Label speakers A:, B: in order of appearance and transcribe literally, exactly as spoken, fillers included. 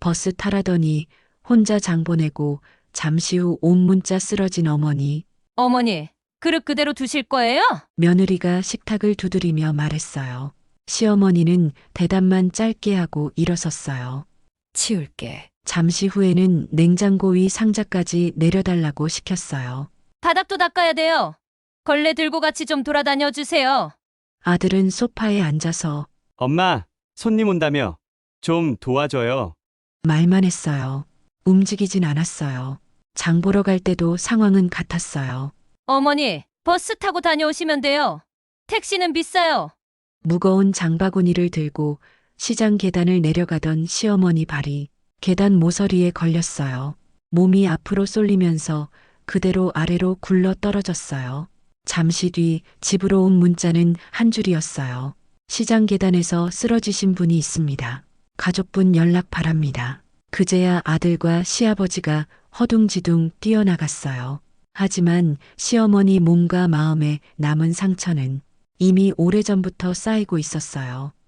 A: 버스 타라더니 혼자 장 보내고 잠시 후 온 문자 쓰러진 어머니.
B: 어머니, 그릇 그대로 두실 거예요?
A: 며느리가 식탁을 두드리며 말했어요. 시어머니는 대답만 짧게 하고 일어섰어요.
B: 치울게.
A: 잠시 후에는 냉장고 위 상자까지 내려달라고 시켰어요.
B: 바닥도 닦아야 돼요. 걸레 들고 같이 좀 돌아다녀 주세요.
A: 아들은 소파에 앉아서
C: 엄마, 손님 온다며. 좀 도와줘요.
A: 말만 했어요. 움직이진 않았어요. 장 보러 갈 때도 상황은 같았어요.
B: 어머니, 버스 타고 다녀오시면 돼요. 택시는 비싸요.
A: 무거운 장바구니를 들고 시장 계단을 내려가던 시어머니 발이 계단 모서리에 걸렸어요. 몸이 앞으로 쏠리면서 그대로 아래로 굴러 떨어졌어요. 잠시 뒤 집으로 온 문자는 한 줄이었어요. 시장 계단에서 쓰러지신 분이 있습니다. 가족분 연락 바랍니다. 그제야 아들과 시아버지가 허둥지둥 뛰어나갔어요. 하지만 시어머니 몸과 마음에 남은 상처는 이미 오래전부터 쌓이고 있었어요.